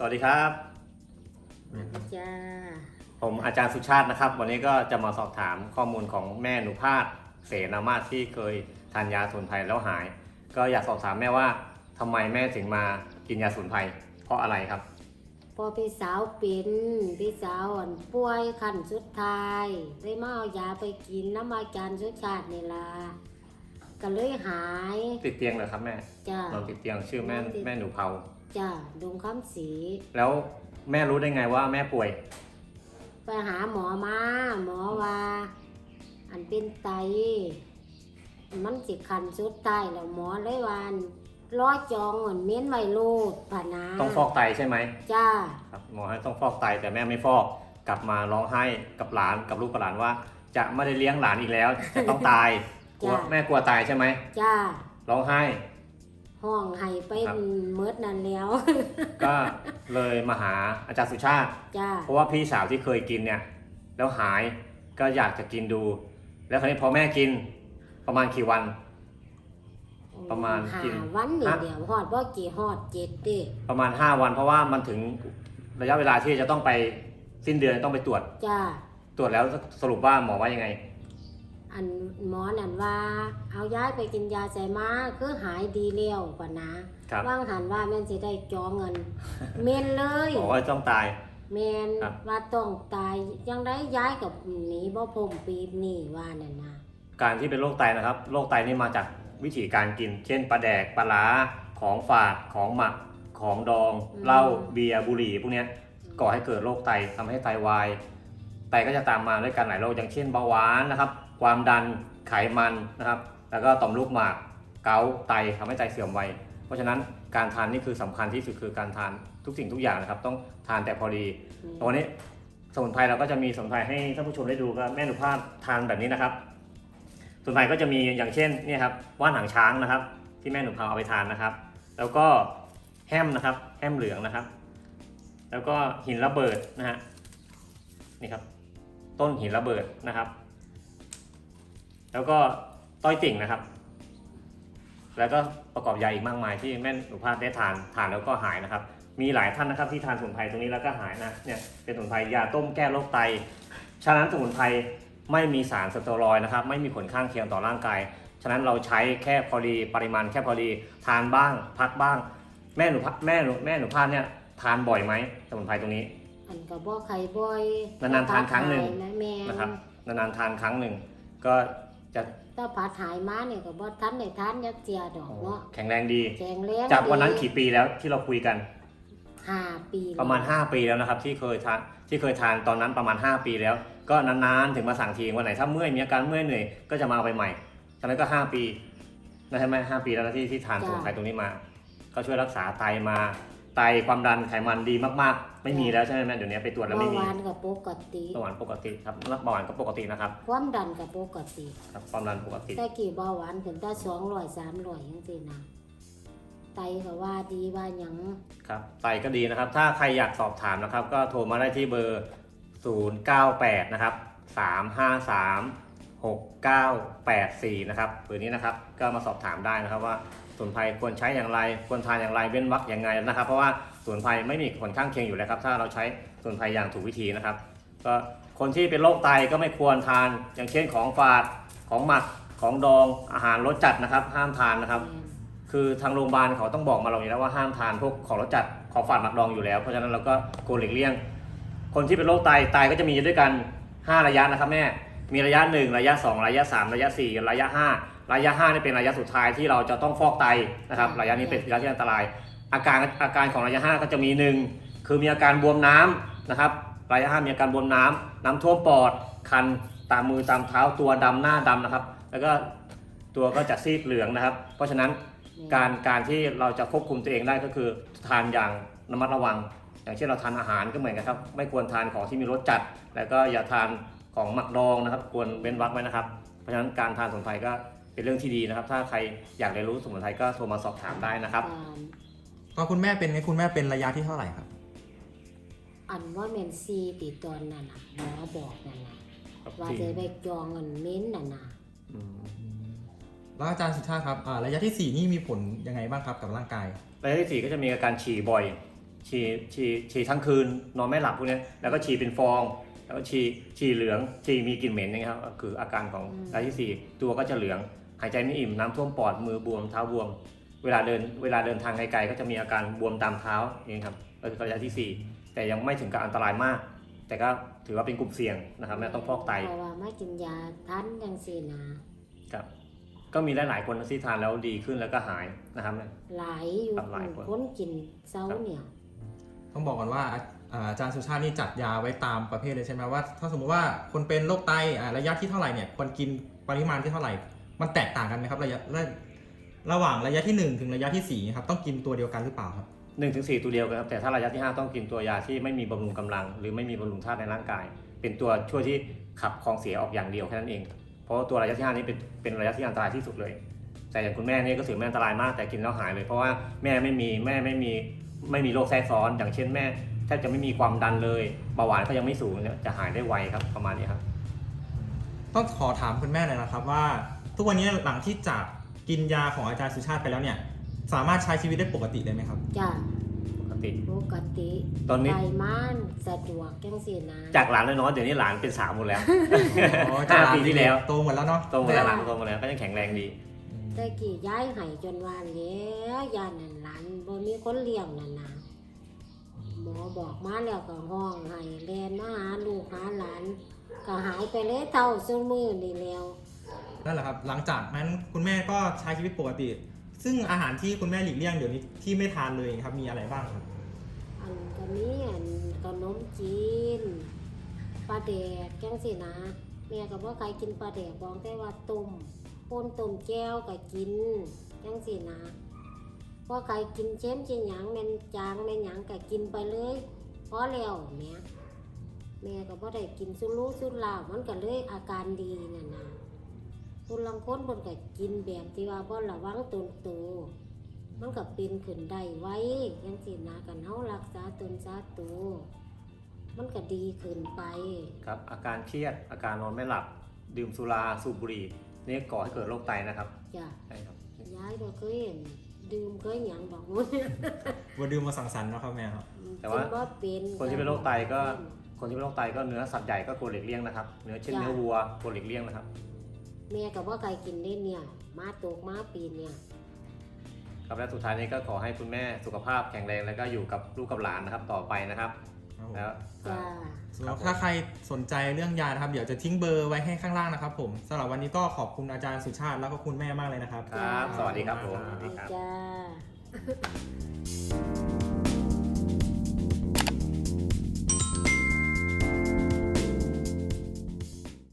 วัสดีครับจ้าผมอาจารย์สุชาตินะครับวันนี้ก็จะมาสอบถามข้อมูลของแม่หนูพาสเสนามาศที่เคยทานยาสมุนไพรแล้วหาย ก็อยากสอบถามแม่ว่าทำไมแม่ถึงมากินยาสมุนไพรเพราะอะไรครับพอพี่สาวเป็นพี่สาวป่วยขั้นสุดท้ายเลยมาเอายาไปกินน้ำอาจารย์สุชาตินี่ล่ะก็เลยหายติดเตียงเหรอครับแม่จ้านอนติดเตียงชื่อแม่หนูเผาจ้าดงคำศรีแล้วแม่รู้ได้ไงว่าแม่ป่วยไปหาหมอมาหมอว่าอันเป็นไตมันสิขั้นสุดท้ายแล้วหมอเลยว่าร้อยจองเหมือนเม้นไวโรดผ่านาต้องฟอกไตใช่ไหมจ้าครับหมอให้ต้องฟอกไตแต่แม่ไม่ฟอกกลับมาร้องไห้กับหลานกับลูกกับหลานว่า จะไม่ได้เลี้ยงหลานอีกแล้วจะต้องตายกลัวแม่กลัวตายใช่ไหมจ้าร้องไห้ห้องไห้ไปเมิดนั่นแล้วก็เลยมาหาอาจารย์สุชาติเพราะว่าพี่สาวที่เคยกินเนี่ยแล้วหายก็อยากจะกินดู แล้วคราวนี้พอแม่กินประมาณกี่วันประมาณกินวันเดียวฮอดบ่กี่ฮอด7ดิประมาณ5วันเพราะว่ามันถึงระยะเวลาที่จะต้องไปสิ้นเดือนต้องไปตรวจตรวจแล้วสรุปว่าหมอว่ายังไงอันหมอนั่นว่าเอาย้ายไปกินยาใส่มาคือหายดีแล้วกว่านะว่างหันว่าแม่นสิได้จองเงินเมนเลยบอกว่าต้องตายเมนว่าต้องตายยังได้ย้ายกับหนีบ่พ้นปีนี่ว่านั่นนะการที่เป็นโรคไตนะครับโรคไตนี่มาจากวิธีการกินเช่นปลาแดกปลาล้าของฝาดของหมักของดองเหล้าเบียร์บุหรี่พวกนี้ก่อให้เกิดโรคไตทำให้ไตวายไตก็จะตามมาด้วยกันหลายโรคอย่างเช่นเบาหวานนะครับความดันไขมันนะครับแล้วก็ต่อมลูกหมากเกาต์ไตทำให้ไตเสื่อมไวเพราะฉะนั้นการทานนี่คือสำคัญที่สุดคือการทานทุกสิ่งทุกอย่างนะครับต้องทานแต่พอดีตอนนี้สมุนไพรเราก็จะมีสมุนไพรให้ท่านผู้ชมได้ดูก็แม่หนูพาสทานแบบนี้นะครับสมุนไพรก็จะมีอย่างเช่นนี่ครับว่านหางช้างนะครับที่แม่หนูพาเอาไปทานนะครับแล้วก็แฮมนะครับแฮมเหลืองนะครับแล้วก็หินระเบิดนะฮะนี่ครับต้นหินระเบิดนะครับแล้วก็ต้อยติ่งนะครับแล้วก็ประกอบยาอีกมากมายที่แม่หนูพาสได้ทานแล้วก็หายนะครับมีหลายท่านนะครับที่ทานสมุนไพรตรงนี้แล้วก็หายนะเนี่ยเป็นสมุนไพรยาต้มแก้โรคไตฉะนั้นสมุนไพรไม่มีสารสเตียรอยด์นะครับไม่มีผลข้างเคียงต่อร่างกายฉะนั้นเราใช้แค่พอดีปริมาณแค่พอดีทานบ้างพักบ้างแม่หนูพาสเนี่ยทานบ่อยไหมสมุนไพรตรงนี้อันก็บ่ไข่บ่อยนานๆทานครั้งหนึ่งนะครับนานๆทานครั้งหนึ่งก็จะถ้าผัดหายมาเนี่ยก็บ่ทันได้ทานยักเจียดอกเนาะแข็งแรงดีจากวันนั้นกี่ปีแล้วที่เราคุยกัน 5 ปีประมาณ5 ปีแล้วนะครับที่เคยทานตอนนั้นประมาณ5 ปีแล้วก็นานๆถึงมาสั่งทีวันไหนถ้าเมื่อยมีอาการเมื่อยเหนื่อยก็จะมาเอาไปใหม่ตอนนั้นก็5 ปีนะใช่ไหม5 ปีแล้วนะที่ทานสมุนไพรตรงนี้มาก็ช่วยรักษาไตมาไตความดันไขมันดีมากๆไม่มีแล้วใช่ไหมแม่เดี๋ยวนี้ไปตรวจแล้วไม่มีเบาหวานกับปกติเบาหวานปกติครับเบาหวานก็ปกตินะครับความดันกับปกติครับความดันปกติแต่กี่เบาหวานถึงได้200 300จังซี่นะไตก็ว่าดีว่าหยังครับไตก็ดีนะครับถ้าใครอยากสอบถามนะครับก็โทรมาได้ที่เบอร์098นะครับ353 6984นะครับเบอร์นี้นะครับก็มาสอบถามได้นะครับว่าสมุนไพรควรใช้อย่างไรควรทานอย่างไรเว้นวรรคอย่างไรนะครับเพราะว่าสมุนไพรไม่มีผลข้างเคียงอยู่แล้วครับถ้าเราใช้สมุนไพรอย่างถูกวิธีนะครับก็คนที่เป็นโรคไตก็ไม่ควรทานอย่างเช่นของฝาดของหมักของดองอาหารรสจัดนะครับห้ามทานนะครับคือทางโรงพยาบาลเขาต้องบอกมาเราอยู่แล้วว่าห้ามทานพวกของรสจัดของฝาดหมักดองอยู่แล้วเพราะฉะนั้นเราก็ควรหลีกเลี่ยงคนที่เป็นโรคไตก็จะมีด้วยกัน5 ระยะนะครับแม่มีระยะ1ระยะ2ระยะ3ระยะ4ระยะ5ระยะ5นี่เป็นระยะสุดท้ายที่เราจะต้องฟอกไตนะครับระยะนี้เป็นระยะที่อันตรายอาการของระยะ5ก็จะมี1คือมีอาการบวมน้ำนะครับระยะ5มีอาการบวมน้ำท่วมปอดคันตามมือตามเท้าตัวดำหน้าดำนะครับแล้วก็ตัวก็จะซีดเหลืองนะครับเพราะฉะนั้นการที่เราจะควบคุมตัวเองได้ก็คือทานอย่างระมัดระวังอย่างเช่นเราทานอาหารก็เหมือนกันครับไม่ควรทานของที่มีรสจัดแล้วก็อย่าทานของหมักดองนะครับควรเว้นวรรคไว้นะครับเพราะฉะนั้นการทานสมุนไพรก็เป็นเรื่องที่ดีนะครับถ้าใครอยากเรียนรู้สมุนไพรก็โทรมาสอบถามได้นะครับก็คุณแม่เป็นระยะที่เท่าไหร่ครับอันว่าเมนซีติดตอนนั่นน่ะหมอบอกนั่นน่ะว่าจะไปจองเงินเม้นนั่นน่ะแล้วอาจารย์สุชาติครับระยะที่4นี่มีผลยังไงบ้างครับกับร่างกายระยะที่4ก็จะมีอาการฉี่บ่อยฉี่ทั้งคืนนอนไม่หลับพวกเนี้ยแล้วก็ฉี่เป็นฟอง แล้วก็ฉี่เหลืองฉี่มีกลิ่นเหม็นนะครับก็คืออาการของระยะที่ 4ตัวก็จะเหลืองหายใจไม่อิ่มน้ำท่วมปอดมือบวมเท้าบวมเวลาเดินทางไกลๆก็จะมีอาการบวมตามเท้าอย่างนี้ครับก็คือระยะที่ 4แต่ยังไม่ถึงกับอันตรายมาก แต่ก็ถือว่าเป็นกลุ่มเสี่ยงนะครับแม่ต้องฟอกไตเพราะว่าไม่กินยาทันจังซี่นะครับก็มีหลายๆคนที่ทานแล้วดีขึ้นแล้วก็หายนะครับหลายอยู่ครับหลายคนคนกินเซาเนี่ยต้องบอกก่อนว่าอาจารย์สุชาตินี่จัดยาไว้ตามประเภทเลยใช่ไหมว่าถ้าสมมติว่าคนเป็นโรคไตระยะที่เท่าไหร่เนี่ยควรกินปริมาณที่เท่าไหร่ มันแตกต่างกันไหมครับระหว่างระยะที่ 1 ถึงระยะที่4ครับต้องกินตัวเดียวกันหรือเปล่าครับ 1-4 ตัวเดียวกันครับแต่ถ้าระยะที่ 5 ต้องกินตัวยาที่ไม่มีบำรุงกำลัง หรือไม่มีบำรุงธาตุในร่างกาย เป็นตัวช่วยที่ขับของเสียออกอย่างเดียวแค่นั้นเอง เพราะว่าตัวระยะที่ 5 นี้เป็นระยะที่อันตรายที่สุดเลย แต่อย่างคุณแม่นี่ก็ถือไม่อันตรายมากแต่กินแล้วหายเลยเพราะว่าแม่ไม่มีโรคแทรกซ้อน อย่างเช่นแม่แทบจะไม่มีความดันเลยเบาหวานก็ยังไม่สูงเนี่ยจะหายได้ไวครับประมาณนี้ครับต้องขอถามคุณแม่หน่อยนะครับว่าทุกวันนี้หลังที่จากกินยาของอาจารย์สุชาติไปแล้วเนี่ยสามารถใช้ชีวิตได้ปกติเลยไหมครับจ้ะปกติปกติตอนนี้ไปมันสะดวกจังซี่นะจากหลานน้อยๆเดี๋ยวนี้หลานเป็นสาวหมดแล้วอ๋อจาก 5 ปีที่แล้วโตหมดแล้วเนาะโตหมดแล้วหลานโตหมดแล้วก็ยังแข็งแรงดีแต่กี่ย้ายให้จนว่าแล้วยานั่นหลานบ่มีคนเลี้ยงนั่นนะหมอบอกมาแล้วก็ห้องให้แลนมาหาลูกหาหลานก็หายไปเลยเท่าซุมื้อนี่แล้วนั่นแหละครับหลังจากนั้นคุณแม่ก็ใช้ชีวิตปกติ ซึ่งอาหารที่คุณแม่หลีกเลี่ยงเดี๋ยวนี้ที่ไม่ทานเลยครับมีอะไรบ้างครับอันก็มีอันขนมจีนปลาแดกจังซี่นะแม่ก็บ่ใครกินปลาแดกบอกแต่ว่าต้มป่นต้มแก้วก็กินจังซี่นะพอใครกินเช้มจิหยังแม่นจางแม่นหยังก็กินไปเลยพอแล้วแม่ก็บ่ได้กินสุรุ่สุร่ายมันก็เลยอาการดีนั่นนะคนลังคนเพิ่นก็กินแบบที่ว่าบ่ระวังตนตัวมันก็เป็นขึ้นได้ไว้จังซี่นะกันเฮารักษาตนษาตัวมันก็ดีขึ้นไปครับอาการเครียดอาการนอนไม่หลับดื่มสุราสูบบุหรี่นี่ก่อให้เกิดโรคไตนะครับจ้ะใช่ครับยายบ่เคยเห็นดื่มเคยหยังดอกมื้อวันดื่มมาสังสรรค์เนาะครับแม่ครับแต่ว่าบ่เป็นคนที่เป็นโรคไตก็เนื้อสัตว์ใหญ่ก็ควรหลีกเลี่ยงนะครับเนื้อเช่นเนื้อวัวควรหลีกเลี่ยงนะครับแม่ก็บ่เคยกินได้เนี่ยมาตกมาปีเนี่ยครับและสุดท้ายนี้ก็ขอให้คุณแม่สุขภาพแข็งแรงแล้วก็อยู่กับลูกกับหลานนะครับต่อไปนะครับแล้วจ้าสำหรับถ้าใครสนใจเรื่องยานะครับเดี๋ยวจะทิ้งเบอร์ไว้ให้ข้างล่างนะครับผมสำหรับวันนี้ก็ขอบคุณอาจารย์สุชาติแล้วก็คุณแม่มากเลยนะครับครับ สวัสดีครับผมสวัสดีครับจ้า